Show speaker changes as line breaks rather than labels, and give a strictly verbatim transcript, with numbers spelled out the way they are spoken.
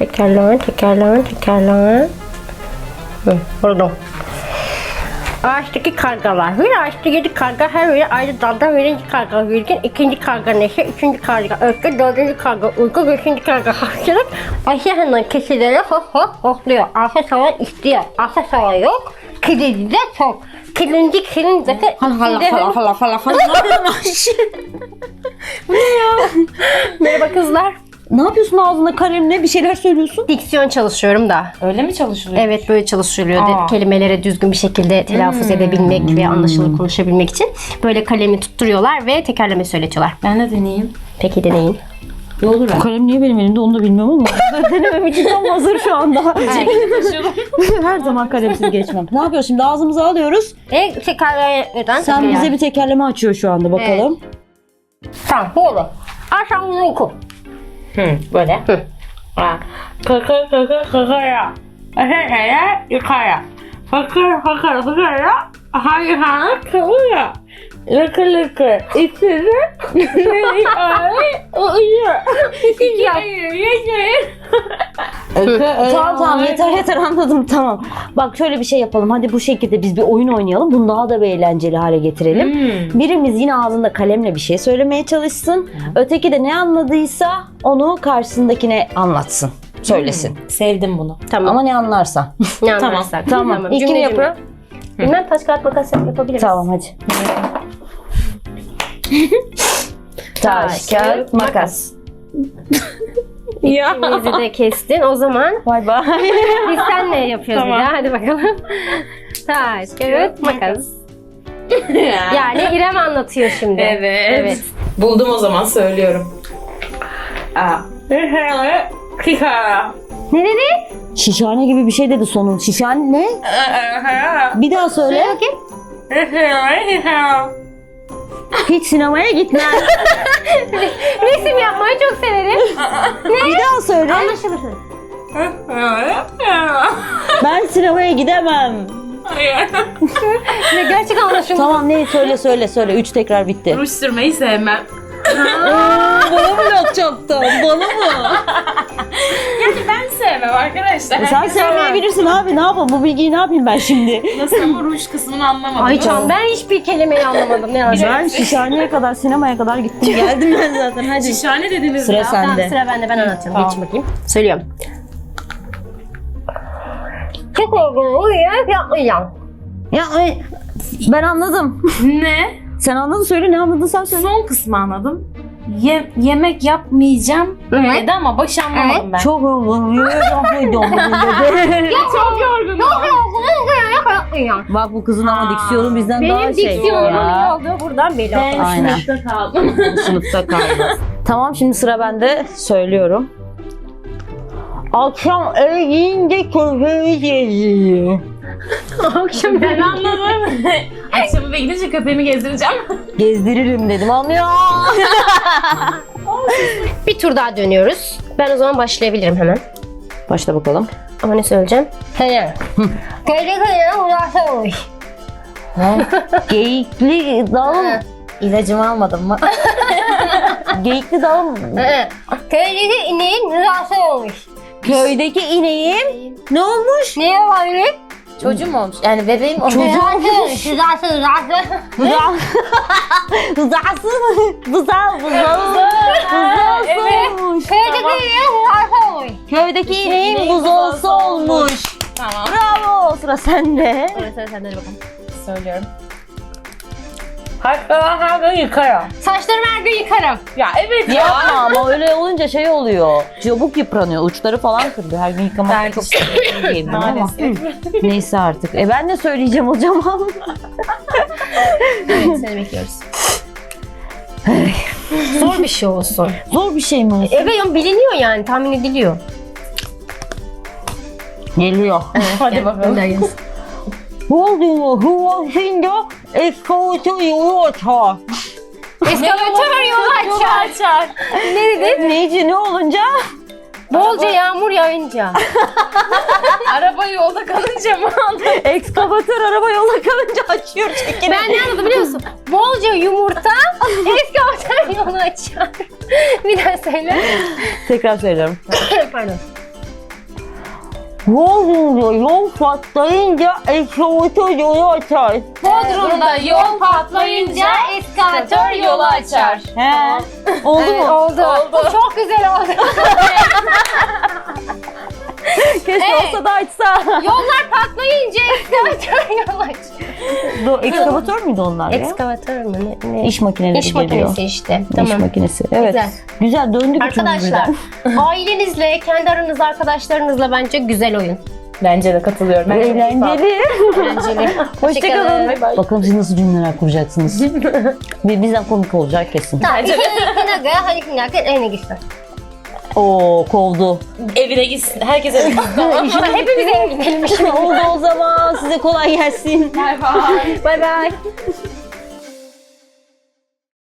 tekerlemen, tekerlemen, tekerlemen. Hı, buldum. Ağaçtaki kargalar. Bir ağaçta yedi karga, her biri ayrı dalda. Birinci karga virgin, ikinci karga neşe, üçüncü karga öfke, dördüncü karga uyku, beşinci karga hastalık. Ayşe hemen keçilere ho ho hopluyor. Arsa savan istiyor. Arsa savan yok. Kilidi de çok. Kilinci kilin zaten
Hala hala
içinde-
hala hala hala hala. Ne yapıyorsun Ayşe? Bu ne ya?
Merhaba kızlar.
Ne yapıyorsun ağzında kalemle bir şeyler söylüyorsun?
Diksiyon çalışıyorum da.
Öyle mi çalışılıyor?
Evet, böyle çalışılıyor.
Aa.
Kelimelere düzgün bir şekilde telaffuz edebilmek ve anlaşılır konuşabilmek için böyle kalemi tutturuyorlar ve tekerleme söyletiyorlar.
Ben de deneyeyim.
Peki deneyin.
Ne olur
Bu kalem niye benim elimde onu da bilmiyorum ama denemem için tam hazır şu anda. Her zaman kalemsiz geçmem. Ne yapıyoruz şimdi? Ağzımıza alıyoruz.
E tekerlemeden.
Sen bize bir tekerleme açıyor şu anda bakalım.
Tamam, bu olur. Aşağı oku.
Hı, böyle.
Hı.
Kaka kaka kakaya. Aşağıya yukarı. Fakir fakir fakir. Hayır hayır kavga. Lıkı lıkı. İçeri. Uyuyor.
Tamam tamam yeter yeter anladım tamam. Bak şöyle bir şey yapalım. Hadi bu şekilde biz bir oyun oynayalım. Bunu daha da bir eğlenceli hale getirelim.
Hmm.
Birimiz yine ağzında kalemle bir şey söylemeye çalışsın. Öteki de ne anladıysa onu karşısındakine anlatsın. Söylesin.
Sevdim bunu.
Tamam.
Ama ne anlarsa.
ne
tamam,
anlarsak.
tamam. İlkini
Cümle
yapıyor.
cümle. Bilmem, taş kağıt makas yap- yapabiliriz.
Tamam hadi. Taş, kağıt, makas.
Ya.
İkimizi de kestin. O zaman
Bay bay.
biz senle yapıyoruz
Tamam.
bir daha. Hadi bakalım. Taş, kağıt, makas. Yani İrem anlatıyor şimdi.
Evet.
Evet.
Buldum o zaman söylüyorum. Aa. Kika.
Ne dedi?
Şişhane gibi bir şey dedi sonun. Şişhane ne? Bir daha söyle.
Bakayım.
Hiç sinemaya gitmem.
Resim yapmayı çok severim.
Bir daha söyle.
Anlaşılır.
Ben sinemaya gidemem.
Ne, gerçekten anlaşılır.
Tamam ne söyle söyle söyle. Üç tekrar bitti.
Ruj sürmeyi sevmem.
Bana mı yapacaktın? Bana mı?
Yani ben sevmem arkadaşlar.
Sen
Herkes
sevmeyebilirsin abi. Ne yapalım? Bu bilgiyi ne yapayım ben şimdi?
Nasıl ama ruj kısmını anlamadım.
Ay Can, ben hiçbir kelimeyi anlamadım. Ne yazık.
Ben şişhaneye kadar, sinemaya kadar gittim. Geldim ben zaten. Hadi.
Şişhane dediniz
Sıra
ya.
sen.
Tamam,
de.
sıra bende, ben anlatıyorum.
Tamam.
Geç bakayım. Söylüyorum. Çok olgun uyuyor, yapmayacağım.
Ya ay, ben anladım.
Ne?
Sen anladın söyle. Ne anladın sen söyle.
Son kısmı anladım. Ye- yemek yapmayacağım
Evet.
dedi ama başı anlamadım ben.
Çok yorgunum. Yapmayacağım bugün dedi.
çok yorgunum.
Çok olgun uyuyor, yapmayacağım.
Bak bu kızın ama diksiyonu bizden daha
Benim
şey.
diksiyonumun iyi
Ya.
olduğu buradan belli.
Ben
Aynen.
sınıfta kaldım.
Sınıfta kaldı. Tamam şimdi sıra bende. Söylüyorum. Akşam eve giyince köpeği geziyor.
Akşam
Ben anladım. Akşam eve gidince köpeğimi gezdireceğim.
Gezdiririm dedim anlıyor.
bir tur daha dönüyoruz. Ben o zaman başlayabilirim hemen.
Başla bakalım.
Ama ne söyleyeceğim? Hayır. Köyde köyde uzakta olmuş.
Geyikli dalım. İlacımı almadım mı? Geyikli dalım.
Köydeki ineğin rızası olmuş.
Köydeki ineğim ne olmuş?
Ne olabilir?
Çocuğum olmuş. Yani bebeğim olmuş.
Rızası olmuş. Rızası, rızası.
Rızası mı? Rıza, rıza.
Evet.
olmuş.
Köydeki ineğin rızası olmuş.
Köydeki ineğim
ineğin
buzolsu olmuş.
Tamam.
Bravo sıra sende.
Sonra sıra sende, hadi bakalım.
Söylüyorum. Hatta her gün yıkarım.
Saçlarımı her gün yıkarım.
Ya evet ya.
Yapma ama öyle olunca şey oluyor. Çabuk yıpranıyor. Uçları falan kırılıyor. Her gün yıkamak
Ben
çok
işte-
değil ama.
Maalesef.
Neyse artık. E ben de söyleyeceğim o zaman.
Evet, seni bekliyoruz. Zor bir şey olsun.
Zor bir şey mi?
Evet ama biliniyor yani, tahmin ediliyor.
Geliyor.
Hadi bakalım.
Gönder gelsin.
Olduğunu huvasında eskavatör yolu açar.
Eskavatör yolu açar.
açar.
Ne dedin?
Neyce ne olunca?
Bolca yağmur yağınca.
Araba yolda kalınca mı anladın?
Ekskavatör araba yola kalınca açıyor çekini.
Ben ne anladım biliyor musun? Bolca yumurta eskavatör yolu açar. Bir daha söyle.
Tekrar söylüyorum.
Pardon.
Yol diyor, yol patlayınca eskavatör yolu açar.
Bodrum'da yol patlayınca eskavatör yolu açar.
He. Oldu
Evet,
mu?
oldu.
Oldu.
Çok güzel oldu.
Keşke olsa da açsa.
Yollar patlayınca eskavatör yol açar.
Do, ekskavatör müydü onlar ya?
Ekskavatör mü? Ne? ne?
İş makineleri
İş
geliyor.
makinesi işte.
İş
Tamam.
makinesi. Evet.
Güzel.
Güzel, döndük
Arkadaşlar,
üçümüz
ailenizle, kendi aranızda arkadaşlarınızla bence güzel oyun.
Bence de katılıyorum.
birden. Eğlenceli.
Eğlenceli.
Hoşçakalın.
Bay bay.
Bakalım siz nasıl cümleler kuracaksınız. Bir- Bizden komik olacak kesin.
Hadi hadi hadi en güzel.
Oo, kovdu.
Evine gitsin. Herkes evine gitsin.
Ama hepimiz en gidelim.
Oldu o zaman. Size kolay gelsin.
Bay bay.
Bay bay.